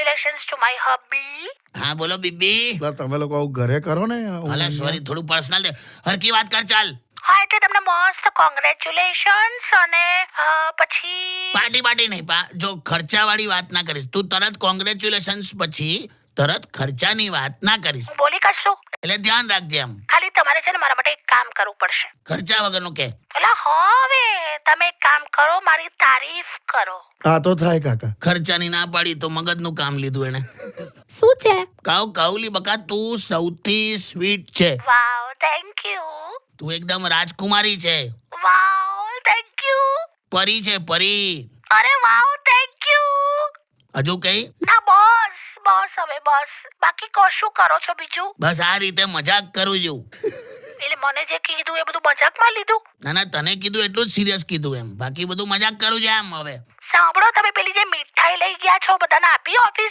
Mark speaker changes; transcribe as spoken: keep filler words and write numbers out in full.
Speaker 1: congratulations to my hubby.
Speaker 2: હા બોલો BB.
Speaker 3: એટલે તમે લોકો આવું ઘરે કરો ને
Speaker 2: અલા સોરી થોડું પર્સનલ દે. હરકી વાત કર ચાલ.
Speaker 1: હા એટલે તમને મસ્ત કોંગ્રેચ્યુલેશન્સ અને અ, પછી
Speaker 2: પાર્ટી પાર્ટી નહીં પા જો ખર્ચાવાળી વાત ના કરીશ તું તરત કોંગ્રેચ્યુલેશન્સ પછી તરત ખર્ચાની વાત ના કરીશ
Speaker 1: હું બોલી કશું
Speaker 2: એટલે ધ્યાન રાખજે એમ.
Speaker 1: ખાલી તમારે છે ને મારા માટે એક કામ કરવું પડશે.
Speaker 2: ખર્ચા વગરનું કે.
Speaker 1: એટલે હવે તમે એક કામ કરો, મારી તારીફ કરો.
Speaker 3: હા તો થાય કાકા.
Speaker 2: ખર્ચાની ના પાડી તો મગજનું કામ લીધું એને.
Speaker 4: શું છે?
Speaker 2: કાવ કાવલી બકા તું સૌથી સ્વીટ છે.
Speaker 1: Wow, thank you.
Speaker 2: તું એકદમ રાજકુમારી છે.
Speaker 1: Wow, thank you.
Speaker 2: પરી છે પરી.
Speaker 1: અરે વાવ, થેન્ક યુ.
Speaker 2: હજુ કઈ.
Speaker 1: ના બસ બસ હવે બસ. બાકી કહો શું કરો છો બીજું?
Speaker 2: બસ આ રીતે મજાક કરું છું.
Speaker 1: એટલે મને જે કીધું એ બધું મજાકમાં લીધું?
Speaker 2: ના ના તને કીધું એટલું જ સિરિયસ કીધું એમ બાકી બધું મજાક કરું છું એમ. હવે
Speaker 1: સાંભળો, તમે પેલી જે મીઠાઈ લઈ ગયા છો બધાને આપી ઓફિસ?